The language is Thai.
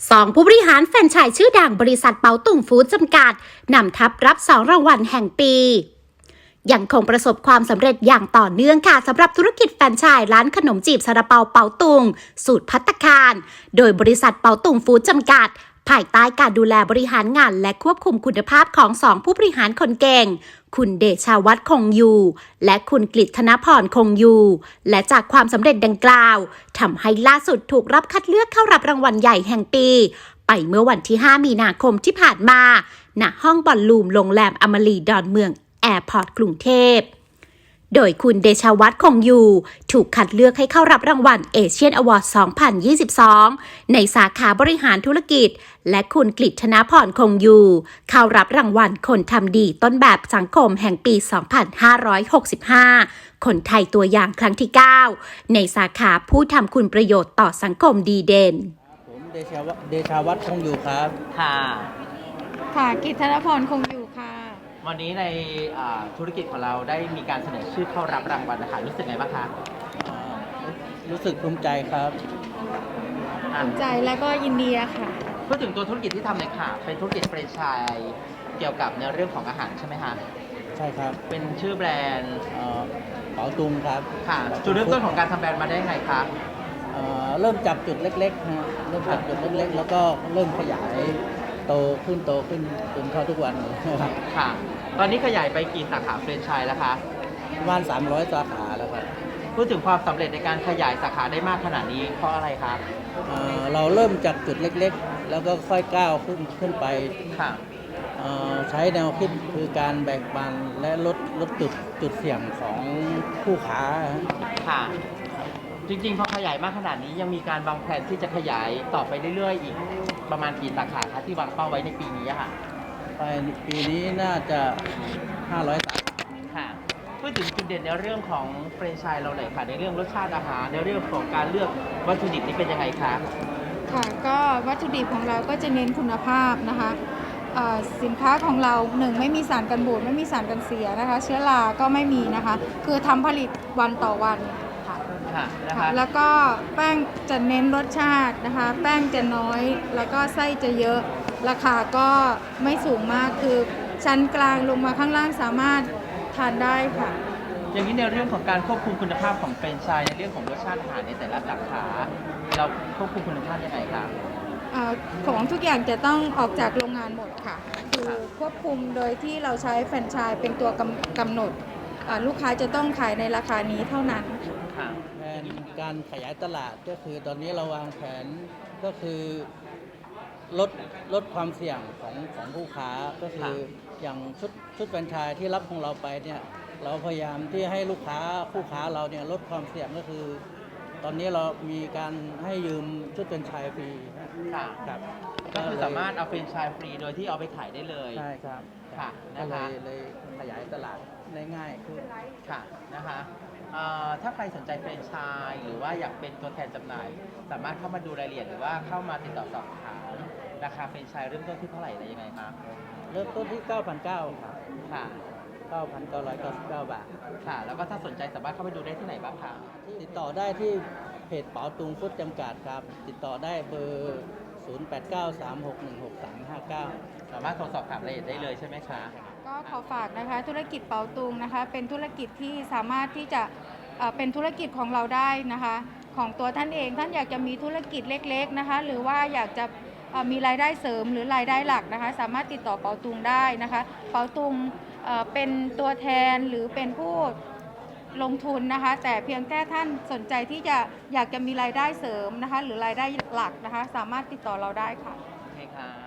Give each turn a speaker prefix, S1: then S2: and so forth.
S1: 2ผู้บริหารแฟรนไชส์ชื่อดังบริษัทเปาตุงฟู้ดจำกัดนำทัพรับ2รางวัลแห่งปียังคงประสบความสำเร็จอย่างต่อเนื่องค่ะสำหรับธุรกิจแฟรนไชส์ร้านขนมจีบซาลาเปาเปาตุงสูตรภัตตาคารโดยบริษัทเปาตุงฟู้ดจำกัดภายใต้การดูแลบริหารงานและควบคุมคุณภาพของ2ผู้บริหารคนเก่งคุณเดชาวัฒน์คงอยู่และคุณกฤษธนพรคงอยู่และจากความสำเร็จดังกล่าวทำให้ล่าสุดถูกรับคัดเลือกเข้ารับรางวัลใหญ่แห่งปีไปเมื่อวันที่5มีนาคมที่ผ่านมาณห้องบอลลูมโรงแรมอมรีดอนเมืองแอร์พอร์ตกรุงเทพโดยคุณเดชาวัฒน์คงอยู่ถูกคัดเลือกให้เข้ารับรางวัลเอเชียนอวอร์ด 2022 ในสาขาบริหารธุรกิจและคุณกฤษธนพรคงอยู่เข้ารับรางวัลคนทำดีต้นแบบสังคมแห่งปี 2565 คนไทยตัวอย่างครั้งที่ 9 ในสาขาผู้ทำคุณประโยชน์ต่อสังคมดีเด่น
S2: ผมเดชาวัฒน์คงอยู่ครับ
S3: ค่ะ
S4: กฤษธนพรคงอยู่ค่ะ
S3: วันนี้ในธุรกิจของเราได้มีการเสนอชื่อเข้ารับรางวัลนะคะรู้สึกไงบ้างคะ
S2: รู้สึกภูมิใจครับ
S4: ภูมิใจและก็ยินดีค่ะ
S3: พูดถึงตัวธุรกิจที่ทำเลยค่ะเป็นธุรกิจแฟรนไชส์เกี่ยวกับในเรื่องของอาหารใช่ไหมคะ
S2: ใช่ครับ
S3: เป็นชื่อแบรนด์
S2: เป๋าตุงครับ
S3: ค่ะจุดเริ่มต้นของการทำแบรนด์มาได้ไงคะ
S2: เริ่มจากจุดเล็กๆนะเริ่มจากจุดเล็กๆแล้วก็เริ่มขยายโตขึ้นจนเข้าทุกวัน
S3: ครับค่ะตอนนี้ขยายไปกี่สาขาแฟรนไชส์แล้วคะ
S2: ประมาณ300สาขาแล้วครับ
S3: พูดถึงความสำเร็จในการขยายสาขาได้มากขนาดนี้เพราะอะไรครับ
S2: เราเริ่มจากจุดเล็กๆแล้วก็ค่อยก้าวขึ้นไป
S3: ค่ะ
S2: ใช้แนวคิดคือการแบ่งปันและลดจุดเสี่ยงของผู้ค้า
S3: ค่ะจริงๆพอขยายมากขนาดนี้ยังมีการวางแผนที่จะขยายต่อไปเรื่อยๆอีกประมาณกี่สาขาคะที่วางเป้าไว้ในปีนี้ค่ะ
S2: ไปปีนี้น่าจะ500สาขา
S3: ค่ะพูดถึงจุดเด่นในเรื่องของแฟรนไชส์เราหน่อยค่ะในเรื่องรสชาติอาหารในเรื่องของการเลือกวัตถุดิบนี่เป็นยังไงคะ
S4: ค่ะก็วัตถุดิบของเราก็จะเน้นคุณภาพนะคะสินค้าของเรา1ไม่มีสารกันบูดไม่มีสารกันเสียนะคะเชื้อราก็ไม่มีนะคะคือทำผลิตวันต่อวันค่ะแล้วก็แป้งจะเน้นรสชาตินะคะแป้งจะน้อยแล้วก็ไส้จะเยอะราคาก็ไม่สูงมากคือชั้นกลางลงมาข้างล่างสามารถทานได้ค่ะ
S3: อย่างนี้ในเรื่องของการควบคุมคุณภาพของแฟรนไชส์ในเรื่องของรสชาติอาหารในแต่ละสาขาเราควบคุมคุณภาพยังไงคะ
S4: ของทุกอย่างจะต้องออกจากโรงงานหมดค่ะคือควบคุมโดยที่เราใช้แฟรนไชส์เป็นตัวกำหนดลูกค้าจะต้องขายในราคานี้เท่านั้น
S2: แผนการขยายตลาดก็คือตอนนี้เราวางแผนก็คือลดความเสี่ยงของผู้ค้าก็คืออย่างชุดแฟรนไชส์ที่รับของเราไปเนี่ยเราพยายามที่ให้ลูกค้าผู้ค้าเราเนี่ยลดความเสี่ยงก็คือตอนนี้เรามีการให้ยืมชุดแฟรนไชส์ฟรี
S3: ครับก็คือสามารถเอาแฟรนไชส์ฟรีโดยที่เอาไปขายได้เลย
S2: ใช่ครับ
S3: ค่ะนะคะ
S2: เลยขยายตลาดได้ง่ายขึ้น
S3: ค่ะนะคะถ้าใครสนใจแฟรนไชส์หรือว่าอยากเป็นตัวแทนจำหน่ายสามารถเข้ามาดูรายละเอียดหรือว่าเข้ามาติดต่อสอบถามราคาแฟรนไชส์เริ่มต้นที่เท่าไหร่อะไรยังไงคะ
S2: เริ่มต้นที่ 9,900 ครับ
S3: ค่ะ
S2: 9,999 บาท
S3: ค่ะแล้วก็ถ้าสนใจสามารถเข้าไปดูได้ที่ไหนบ้างคะ
S2: ติดต่อได้ที่เพจเป๋าตุงฟู้ดจำกัดครับติดต่อได้เบอร์0893616359
S3: สามารถโทรสอบถามรายละเอียดได้เลยใช่ไหมคะ
S4: ก็ขอฝากนะคะธุรกิจเป๋าตุงนะคะเป็นธุรกิจที่สามารถที่จะเป็นธุรกิจของเราได้นะคะของตัวท่านเองท่านอยากจะมีธุรกิจเล็กๆนะคะหรือว่าอยากจะมีรายได้เสริมหรือรายได้หลักนะคะสามารถติดต่อเป๋าตุงได้นะคะเป๋าตุงเป็นตัวแทนหรือเป็นผู้ลงทุนนะคะแต่เพียงแค่ท่านสนใจที่จะอยากจะมีรายได้เสริมนะคะหรือรายได้หลักนะคะสามารถติดต่อเราได้ค่ะ
S3: โอเคค่ะ